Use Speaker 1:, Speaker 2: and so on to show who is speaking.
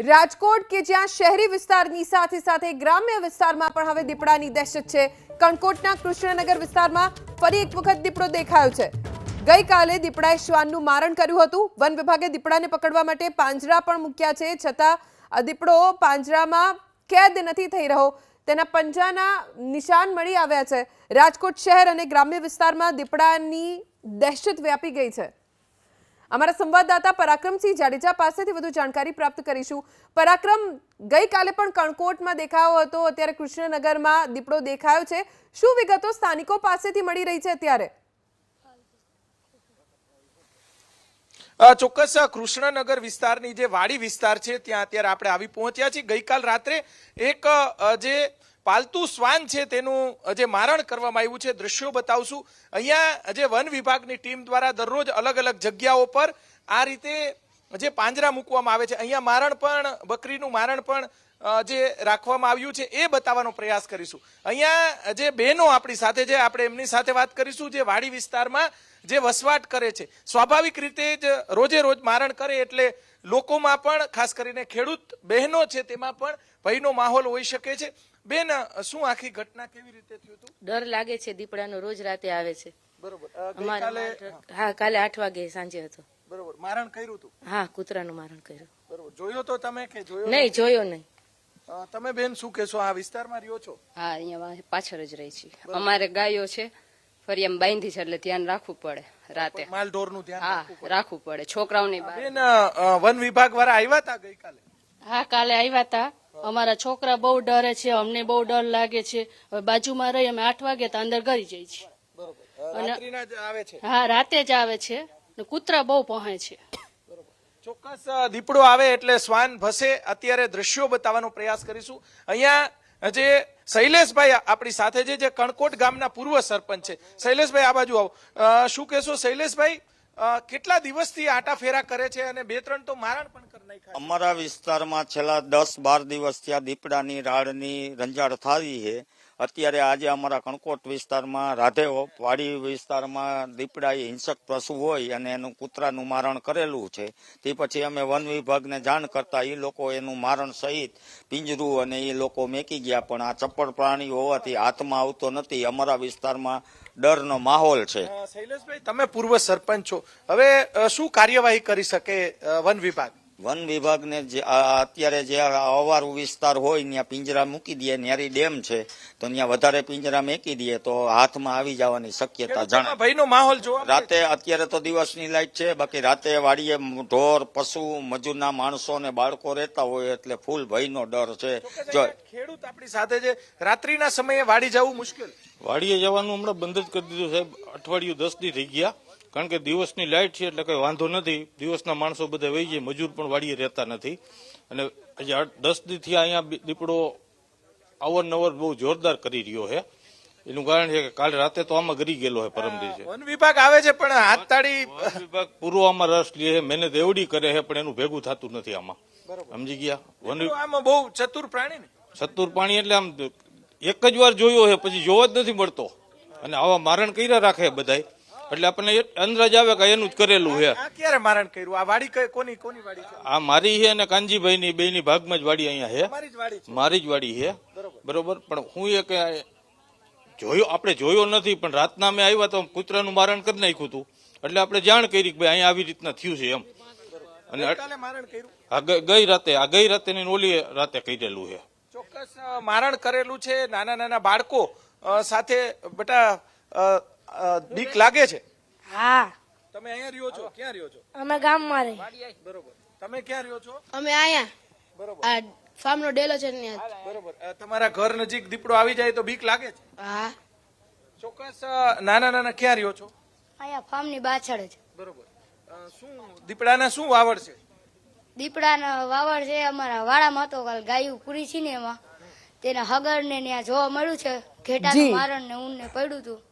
Speaker 1: રાજકોટ કે જ્યાં શહેરી વિસ્તારની સાથે સાથે ગ્રામ્ય વિસ્તારમાં પણ હવે દીપડાની દહેશત છે। કણકોટના કૃષ્ણનગર વિસ્તારમાં ફરી એક વખત દીપડો દેખાયો છે। ગઈકાલે દીપડાએ શ્વાનનું મારણ કર્યું હતું। વન વિભાગે દીપડાને પકડવા માટે પાંજરા પણ મૂક્યા છે, છતાં દીપડો પાંજરામાં કેદ નથી થઈ રહ્યો। તેના પંજાના નિશાન મળી આવ્યા છે। રાજકોટ શહેર અને ગ્રામ્ય વિસ્તારમાં દીપડાની દહેશત વ્યાપી ગઈ છે। અમારા સંવાદદાતા પરાક્રમસિંહ જાડેજા પાસેથી વધુ જાણકારી પ્રાપ્ત કરીશું। પરાક્રમ, ગઈકાલે પણ કણકોટમાં દેખાયો હતો, અત્યારે કૃષ્ણનગરમાં દીપડો દેખાયો છે, શું વિગતો સ્થાનિકો પાસેથી મળી રહી છે અત્યારે?
Speaker 2: ચોક્કસ કૃષ્ણનગર વિસ્તારની જે વાડી વિસ્તાર છે ત્યાં અત્યારે આપણે આવી પહોંચ્યા છીએ। ગઈકાલ રાત્રે એક જે પાલતુ શ્વાન છે તેનું જે મારણ કરવામાં આવ્યું છે, દ્રશ્યો બતાવશું। અહીંયા જે વન વિભાગની ટીમ દ્વારા દરરોજ અલગ અલગ જગ્યાઓ પર આ રીતે જે પાંજરા મૂકવામાં આવે છે, અહીંયા મારણ પણ, બકરીનું મારણ પણ જે રાખવામાં આવ્યું છે એ બતાવવાનો પ્રયાસ કરીશું। અહીંયા જે બહેનો આપણી સાથે છે, આપણે એમની સાથે વાત કરીશું, જે વાડી વિસ્તારમાં જે વસવાટ કરે છે। સ્વાભાવિક રીતે જ રોજે રોજ મારણ કરે એટલે લોકોમાં પણ, ખાસ કરીને ખેડૂત બહેનો છે તેમાં પણ ભયનો માહોલ હોઈ શકે છે। બેન, શું આખી ઘટના કેવી રીતે થયું હતું?
Speaker 3: ડર લાગે છે, દીપડાનો રોજ રાતે આવે છે।
Speaker 2: બરોબર।
Speaker 3: હા, કાલે 8 વાગે સાંજે હતો।
Speaker 2: બરોબર, મારણ કર્યું હતું?
Speaker 3: હા, કૂતરાનું મારણ કર્યું।
Speaker 2: બરોબર, જોયો તો તમે કે જોયો
Speaker 3: નહીં? જોયો નહીં।
Speaker 2: તમે બેન શું કહેશો, આ વિસ્તારમાં રહ્યો છો?
Speaker 4: હા, અહીંયા પાછળ જ રહી છીએ। અમારે ગાયો છે, ફરી એમ બાંધી છે એટલે ધ્યાન રાખવું પડે રાતે।
Speaker 2: માલ ઢોરનું ધ્યાન
Speaker 4: હા, રાખવું પડે છોકરાઓની।
Speaker 2: બેન, વન વિભાગ વાળા આવ્યા હતા ગઈકાલે?
Speaker 5: હા, કાલે આવ્યા હતા। અમારા છોકરા બહુ ડરે છે, અમને બહુ ડર લાગે છે। હવે બાજુમાં રહી અમે 8 વાગે તો અંદર ઘરી જઈએ છીએ।
Speaker 2: રાત્રિના જ આવે છે?
Speaker 5: હા, રાતે જ આવે છે ને કૂતરા બહુ પહોંચે છે।
Speaker 2: ચોક્કસ દીપડો આવે એટલે શ્વાન ભસે। અત્યારે દ્રશ્યો બતાવવાનો પ્રયાસ કરીશું। અહીંયા જે શૈલેષભાઈ આપણી સાથે છે, જે કણકોટ ગામના પૂર્વ સરપંચ છે। શૈલેષભાઈ, આ બાજુ આવો। શું કહેશો શૈલેષભાઈ, કેટલા દિવસથી આટા ફેરા કરે છે અને 2-3 તો મારણ પણ કરી નાખ્યા?
Speaker 6: અમારા વિસ્તારમાં છેલ્લા 10-12 દિવસથી આ દીપડાની રાડની રંજાડ થાવી છે। અત્યારે આજે અમારા કણકોટ વિસ્તારમાં રાધેઓ વાડી વિસ્તારમાં દીપડાએ હિંસક પશુ હોય અને એનું કૂતરાનું મારણ કરેલું છે। તે પછી અમે વન વિભાગને જાણ કરતા એ લોકો એનું મારણ સહિત પિંજરું અને એ લોકો મેકી ગયા, પણ આ ચપ્પળ પ્રાણી હોવાથી હાથમાં આવતો નથી। અમારા વિસ્તારમાં ડરનો માહોલ છે।
Speaker 2: શૈલેષભાઈ, તમે પૂર્વ સરપંચ છો, હવે શું કાર્યવાહી કરી શકે વન વિભાગ?
Speaker 6: વન વિભાગને અત્યારે જે અવારું વિસ્તાર હોય ત્યાં પિંજરા મૂકી દે। ન્યારી ડેમ છે તો ત્યાં વધારે પિંજરા મૂકી દે તો હાથમાં આવી જવાની શક્યતા જણાય।
Speaker 2: ભયનો માહોલ જોવા
Speaker 6: રાતે, અત્યારે તો દિવસની લાઈટ છે, બાકી રાતે વાડીએ ઢોર, પશુ, મજૂરના માણસો અને બાળકો રહેતા હોય એટલે ફૂલ ભયનો ડર છે। જો
Speaker 2: ખેડૂત આપણી સાથે છે, રાત્રિના સમયે વાડી જવું મુશ્કેલ?
Speaker 7: વાડીએ જવાનું હમણાં બંધ જ કરી દીધું સાહેબ। અઠવાડિયું 10 દી થઈ ગયા, કારણ કે દિવસની લાઇટ છે એટલે કઈ વાંધો નથી। દિવસના માણસો બધા વહી જાય, મજૂર પણ વાડીએ રહેતા નથી। અને 10 દી થી અહીંયા દીપડો અવરનવર બહુ જોરદાર કરી રહ્યો છે। એનું કારણ છે કે કાલે રાતે તો આમાં ગરી ગયેલો છે, પરમ દિવસે।
Speaker 2: વન વિભાગ આવે છે પણ હાથ તાળી,
Speaker 7: વન વિભાગ પૂરો આમાં રસ લે છે, મહેનત એવડી કરે છે, પણ એનું ભેગું થતું નથી આમાં, સમજી ગયા?
Speaker 2: આમાં બહુ ચતુર પ્રાણી ને?
Speaker 7: ચતુર પ્રાણી એટલે આમ એક જ વાર જોયો છે પછી જોવા જ નથી મળતો, અને આવા મારણ કર્યા રાખે બધાય, એટલે આપણને અંદાજ આવે કે એનું જ કરેલું છે।
Speaker 2: આ ક્યારે મારણ કર્યું? આ વાડી કોની વાડી છે?
Speaker 7: આ મારી છે અને કાનજીભાઈ ની બેની ભાગમાં જ વાડી અહીંયા છે,
Speaker 2: મારી જ વાડી છે?
Speaker 7: મારી જ વાડી છે, બરોબર। પણ હું એ કે જોયો, આપણે જોયો નથી, પણ રાતના અમે આવ્યા તો કૂતરાનું મારણ કરી નાખ્યું હતું, એટલે આપણે જાણ કરી કે ભાઈ અહીંયા આવી રીતના થયું છે એમ। અને
Speaker 2: મારણ કર્યું?
Speaker 7: આ ગઈ રાતે ની ઓલી રાતે કરેલું છે।
Speaker 2: ચોક્કસ મારણ કરેલું છે। નાના નાના બાળકો સાથે બેટા બીક લાગે છે?
Speaker 8: હા।
Speaker 2: તમે અહીંયા રહ્યો છો? ક્યાં રહ્યો છો?
Speaker 8: અમે ગામમાં રહી।
Speaker 2: બરોબર, તમે ક્યાં રહ્યો છો?
Speaker 8: અમે અહીંયા
Speaker 2: બરોબર,
Speaker 8: આ ફાર્મનો ડેલો છે ત્યાં।
Speaker 2: બરોબર, તમારા ઘર નજીક દીપડો આવી જાય તો બીક લાગે છે?
Speaker 8: હા।
Speaker 2: ચોક્કસ નાના નાના ક્યાં રહ્યો છો?
Speaker 8: અહીંયા ફાર્મની પાછળ જ।
Speaker 2: બરોબર, શું દીપડાના શું વાવડ છે?
Speaker 8: દીપડાનો વાવડ છે અમારા વાડામાં હતો, કાલ ગાયું પૂરી છે ને એમાં તેના હગર ને ત્યાં જોવા મળ્યું છે, ઘેટાનું મારણ ને ઊન ને પડ્યું હતું